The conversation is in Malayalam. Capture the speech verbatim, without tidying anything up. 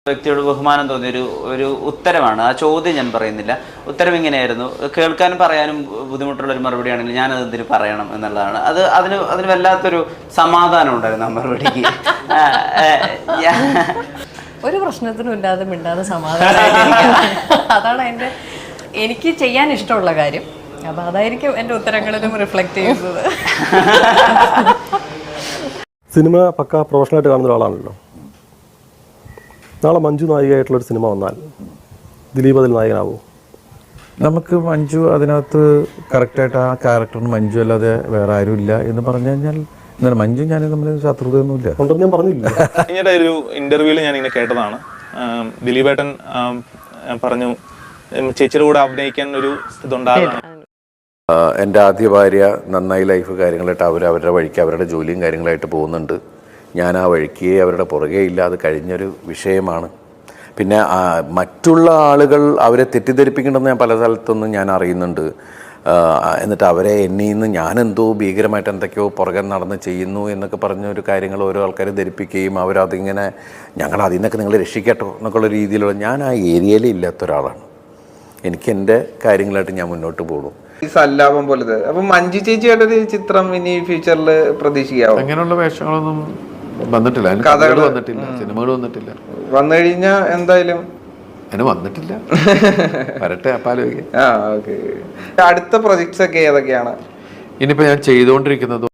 വ്യക്തിയോട് ബഹുമാനം തോന്നിയ ഒരു ഒരു ഉത്തരമാണ്. ആ ചോദ്യം ഞാൻ പറയുന്നില്ല. ഉത്തരം ഇങ്ങനെയായിരുന്നു. കേൾക്കാനും പറയാനും ബുദ്ധിമുട്ടുള്ള ഒരു മറുപടിയാണെങ്കിൽ ഞാനത് എന്തിനു പറയണം എന്നുള്ളതാണ്. അത് അതിന് അതിന് വല്ലാത്തൊരു സമാധാനം ഉണ്ടായിരുന്നു ആ മറുപടിക്ക്. ഒരു പ്രശ്നത്തിനും ഇല്ലാതെ മിണ്ടാതെ സമാധാനം. അതാണ് എൻ്റെ എനിക്ക് ചെയ്യാൻ ഇഷ്ടമുള്ള കാര്യം. അപ്പം അതായിരിക്കും എൻ്റെ ഉത്തരങ്ങളിലും റിഫ്ലക്റ്റ് ചെയ്യുന്നത്. സിനിമ പക്ക പ്രൊഫഷണലായിട്ട് കാണുന്ന ഒരാളാണല്ലോ. നാളെ മഞ്ജു നായികയായിട്ടുള്ളൊരു സിനിമ വന്നാൽ ദിലീപ് അതിൽ നായകനാവോ? നമുക്ക് മഞ്ജു അതിനകത്ത് കറക്റ്റായിട്ട് ആ ക്യാരക്ടറിന് മഞ്ജു അല്ലാതെ വേറെ ആരും ഇല്ല എന്ന് പറഞ്ഞു കഴിഞ്ഞാൽ എന്നാൽ മഞ്ജു ഞാൻ തമ്മിൽ ശത്രുതയൊന്നുമില്ല. ഉണ്ടെന്ന് ഞാൻ പറഞ്ഞില്ല. കഴിഞ്ഞ ഒരു ഇന്റർവ്യൂവിൽ ഞാൻ ഇങ്ങനെ കേട്ടതാണ്, ദിലീപേട്ടൻ പറഞ്ഞു ചേച്ചിയുടെ കൂടെ അഭിനയിക്കാൻ ഒരു ഇതുണ്ടാകും. എൻ്റെ ആദ്യ ഭാര്യ നന്നായി ലൈഫ് കാര്യങ്ങളായിട്ട് അവർ അവരുടെ വഴിക്ക് അവരുടെ ജോലിയും കാര്യങ്ങളായിട്ട് പോകുന്നുണ്ട്. ഞാൻ ആ വഴിക്ക് അവരുടെ പുറകെ ഇല്ല. അത് കഴിഞ്ഞൊരു വിഷയമാണ്. പിന്നെ മറ്റുള്ള ആളുകൾ അവരെ തെറ്റിദ്ധരിപ്പിക്കണമെന്ന് ഞാൻ പല സ്ഥലത്തൊന്നും ഞാൻ അറിയുന്നുണ്ട്. എന്നിട്ട് അവരെ എന്നിൽ നിന്ന് ഞാനെന്തോ ഭീകരമായിട്ട് എന്തൊക്കെയോ പുറകെ നടന്ന് ചെയ്യുന്നു എന്നൊക്കെ പറഞ്ഞൊരു കാര്യങ്ങൾ ഓരോ ആൾക്കാർ ധരിപ്പിക്കുകയും അവരതിങ്ങനെ ഞങ്ങൾ അതിൽ നിന്നൊക്കെ നിങ്ങൾ രക്ഷിക്കട്ടോ എന്നൊക്കെയുള്ള രീതിയിലുള്ള ഞാൻ ആ ഏരിയയിൽ ഇല്ലാത്ത ഒരാളാണ്. എനിക്ക് എൻ്റെ കാര്യങ്ങളായിട്ട് ഞാൻ മുന്നോട്ട് പോകും. ഈ സല്ലാപം പോലത്തെ. അപ്പൊ മഞ്ജു ചേച്ചിയുടെ ചിത്രം ഇനി ഫ്യൂച്ചറിൽ പ്രതീക്ഷിക്കാവോ? അങ്ങനെയുള്ള വേഷങ്ങളൊന്നും വന്നിട്ടില്ല, കഥകൾ വന്നിട്ടില്ല, സിനിമകൾ വന്നിട്ടില്ല. വന്നു കഴിഞ്ഞാ എന്തായാലും അതിന് വന്നിട്ടില്ല. വരട്ടെ അപ്പാലോചിക്കാം. ആ ഓക്കെ. അടുത്ത പ്രൊജക്ട്സ് ഒക്കെ ഏതൊക്കെയാണ്? ഇനിയിപ്പോൾ ഞാൻ ചെയ്തുകൊണ്ടിരിക്കുന്നത്